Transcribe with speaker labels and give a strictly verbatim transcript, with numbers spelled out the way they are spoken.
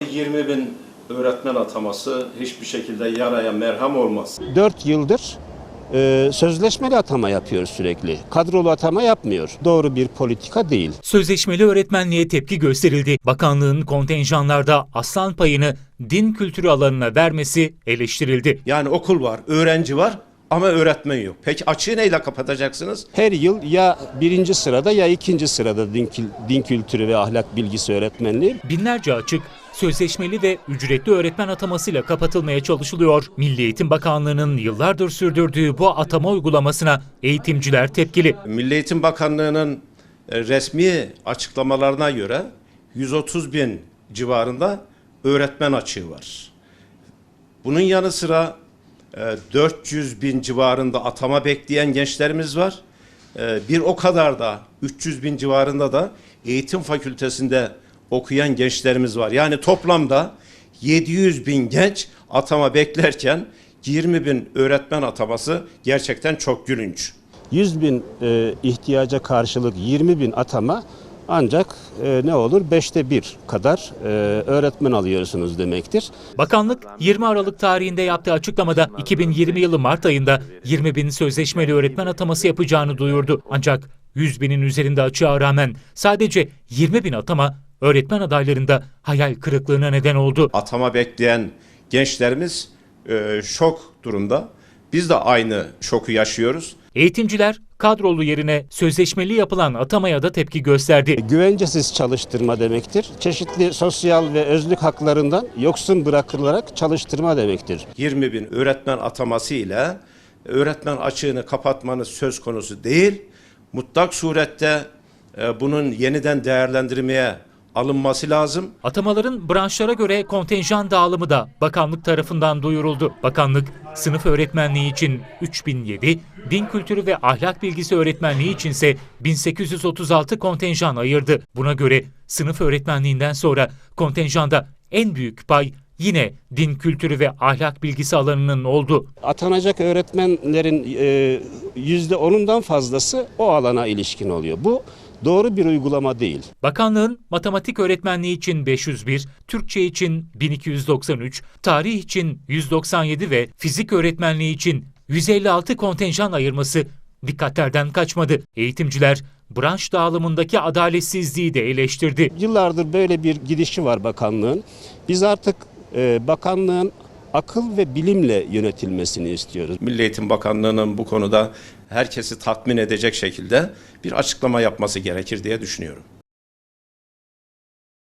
Speaker 1: yirmi bin öğretmen ataması hiçbir şekilde yaraya merhem olmaz.
Speaker 2: dört yıldır e, sözleşmeli atama yapıyor sürekli. Kadrolu atama yapmıyor. Doğru bir politika değil.
Speaker 3: Sözleşmeli öğretmenliğe tepki gösterildi. Bakanlığın kontenjanlarda aslan payını din kültürü alanına vermesi eleştirildi.
Speaker 1: Yani okul var, öğrenci var ama öğretmen yok. Peki açığı neyle kapatacaksınız?
Speaker 2: Her yıl ya birinci sırada ya ikinci sırada din, din kültürü ve ahlak bilgisi öğretmenliği.
Speaker 3: Binlerce açık sözleşmeli ve ücretli öğretmen atamasıyla kapatılmaya çalışılıyor. Milli Eğitim Bakanlığı'nın yıllardır sürdürdüğü bu atama uygulamasına eğitimciler tepkili.
Speaker 1: Milli Eğitim Bakanlığı'nın resmi açıklamalarına göre yüz otuz bin civarında öğretmen açığı var. Bunun yanı sıra dört yüz bin civarında atama bekleyen gençlerimiz var. Bir o kadar da üç yüz bin civarında da eğitim fakültesinde okuyan gençlerimiz var. Yani toplamda yedi yüz bin genç atama beklerken yirmi bin öğretmen ataması gerçekten çok gülünç.
Speaker 2: yüz bin e, ihtiyaca karşılık yirmi bin atama ancak e, ne olur beşte bir kadar e, öğretmen alıyorsunuz demektir.
Speaker 3: Bakanlık yirmi Aralık tarihinde yaptığı açıklamada iki bin yirmi yılı Mart ayında yirmi bin sözleşmeli öğretmen ataması yapacağını duyurdu. Ancak yüz binin üzerinde açığa rağmen sadece yirmi bin atama öğretmen adaylarında hayal kırıklığına neden oldu.
Speaker 1: Atama bekleyen gençlerimiz e, şok durumda. Biz de aynı şoku yaşıyoruz.
Speaker 3: Eğitimciler kadrolu yerine sözleşmeli yapılan atamaya da tepki gösterdi.
Speaker 2: Güvencesiz çalıştırma demektir. Çeşitli sosyal ve özlük haklarından yoksun bırakılarak çalıştırma demektir.
Speaker 1: yirmi bin öğretmen ataması ile öğretmen açığını kapatmanız söz konusu değil. Mutlak surette e, bunun yeniden değerlendirmeye alınması lazım.
Speaker 3: Atamaların branşlara göre kontenjan dağılımı da bakanlık tarafından duyuruldu. Bakanlık sınıf öğretmenliği için üç bin yedi, din kültürü ve ahlak bilgisi öğretmenliği içinse bin sekiz yüz otuz altı kontenjan ayırdı. Buna göre sınıf öğretmenliğinden sonra kontenjanda en büyük pay yine din kültürü ve ahlak bilgisi alanının oldu.
Speaker 2: Atanacak öğretmenlerin e, yüzde onundan fazlası o alana ilişkin oluyor. Bu doğru bir uygulama değil.
Speaker 3: Bakanlığın matematik öğretmenliği için beş yüz bir, Türkçe için bin iki yüz doksan üç, tarih için yüz doksan yedi ve fizik öğretmenliği için yüz elli altı kontenjan ayırması dikkatlerden kaçmadı. Eğitimciler branş dağılımındaki adaletsizliği de eleştirdi.
Speaker 2: Yıllardır böyle bir gidişi var bakanlığın. Biz artık e, bakanlığın akıl ve bilimle yönetilmesini istiyoruz.
Speaker 1: Milli Eğitim Bakanlığı'nın bu konuda herkesi tatmin edecek şekilde bir açıklama yapması gerekir diye düşünüyorum.